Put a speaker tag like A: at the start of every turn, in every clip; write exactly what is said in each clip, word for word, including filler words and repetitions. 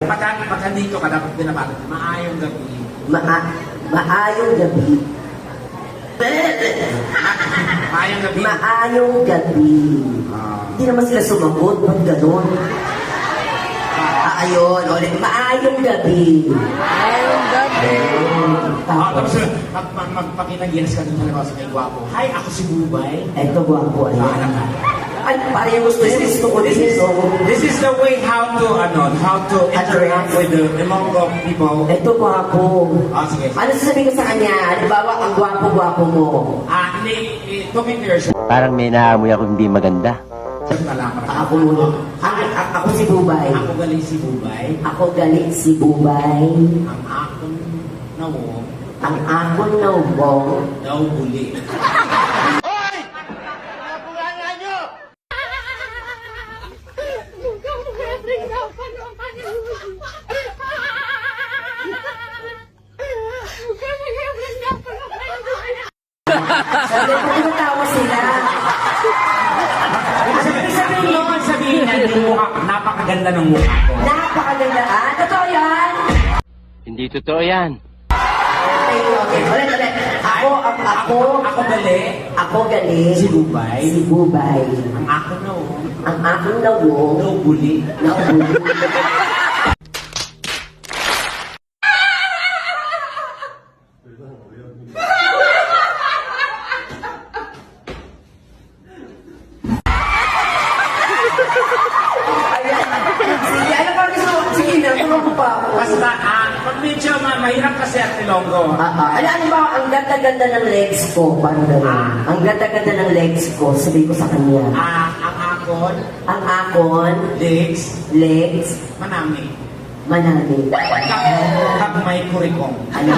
A: Pagka, pagka dito ka, dapat binabato. Maayong gabi.
B: Ma maayong gabi.
A: Maayong gabi.
B: Maayong gabi.
A: Ah.
B: Hindi naman sila sumagot. Ba't ganon? Ah, ayun. Ulit. Maayong gabi.
C: Maayong gabi.
A: Ah,
B: Tapos,
A: tapos, mag, mag, magpakita yes ka dun sa labas kay Gwapo. Hi, ako si Bubay.
B: eto gwapo.
A: Ah,
B: Ayan.
A: alam ka.
B: Ay, parang yung gusto niya. Gusto ko din ito.
A: This is the way how to, ano, how to interact with the Ilonggo people.
B: Eto gwapo.
A: Ah, sige.
B: Ano sasabihin ko sa kanya? Halimbawa, ang gwapo-gwapo mo.
A: Ah, hindi, eh, talking to yourself.
D: Parang may naamoy ako hindi maganda.
A: Malaman
B: Ah, Ako muna. Ako, ako si Bubay.
A: Ako galing si Bubay.
B: Ako galit si Bubay.
A: Ang akong nawo,
B: Ang akon na ubong.
A: daw buli.
B: Sabi ko, tinatawa sila.
A: Sabihin sabihin mo, sabihin niya, yung mukha, napakaganda ng mukha ko.
B: Napakaganda. Ah, totoo yan.
D: Hindi totoo yan.
B: Okay, okay. Ulit, ulit. Ako, ang ako,
A: Ako gali,
B: ako galit.
A: si Bubay.
B: Si Bubay.
A: Ang ako nawo,
B: Ang akong nawong.
A: daw buli.
B: Nauulo. Sige, ano pa gusto mo? Sige na, tulong mo pa ako.
A: Basta, ah, pag medyo ma mahirap kasi ang Ilonggo.
B: Ah, ah. Ano, ano ba, ang ganda-ganda ng legs ko. Paano gano'n?
A: Ah.
B: Ang ganda-ganda ng legs ko. Sabi ko sa kanya.
A: Ah, ang akon,
B: Ang akon,
A: legs,
B: legs,
A: manami.
B: manami.
A: Kag, kag may kurikong.
B: Ano?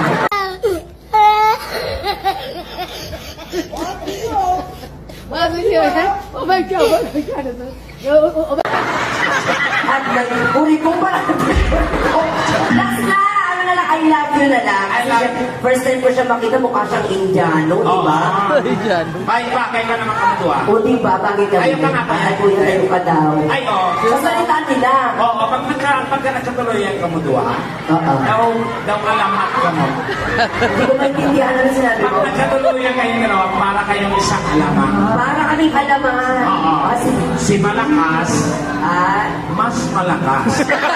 B: At nagpuri ko pala. Last na! Ano na lang, I love you na lang.
A: I
B: Kasi
A: love
B: siya- First time ko siya makita, mukha siyang Indiano, di ba?
A: Ay, ba, kayo ka naman kamutuwa.
B: O di ba, bagay ka
A: Ayaw ka nga pa.
B: Ay, kuya, tayo ka daw.
A: Ay, oh.
B: Sa salita nila.
A: Oo, oh, pag nagka, pagka nagkatuloy ang kamutuwa,
B: Oo.
A: daw, daw alamat ka mo.
B: Hindi ko maintindihan ano sinabi
A: Pag
B: ko.
A: nagkatuloy ang kayong dalawa, para kayong isang alaman.
B: Para kaming alaman.
A: Oo.
B: Kasi,
A: Si malakas,
B: ah,
A: mas malakas.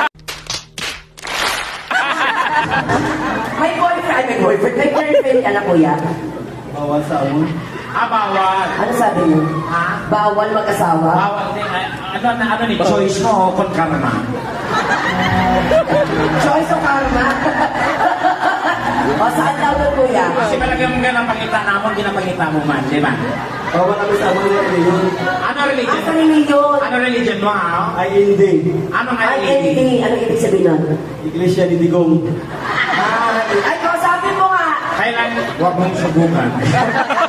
B: may boyfriend, ay, may boyfriend, may girlfriend ka na, kuya.
A: Bawal sa mo? Ah, bawal.
B: Ano sabi mo?
A: Ha?
B: Bawal mag-asawa?
A: Bawal din. Ay, ano, na, ano ni, choice mo o kon ka naman?
B: Choice of karma. O, saan daw doon, kuya?
A: Kasi palagay mo nga napakita namon, ginapakita mo man, di ba?
E: Bawal kami sa mga reliyon.
A: Ano religion?
B: Asa reliyon?
A: Ano religion mo, ha?
E: I N D.
A: Anong
B: Ay,
A: I N D?
B: hindi. Ano ibig sabihin nun?
E: Iglesia ni Digong.
B: Ay, kausapin mo nga.
A: Kailan, huwag mong subukan.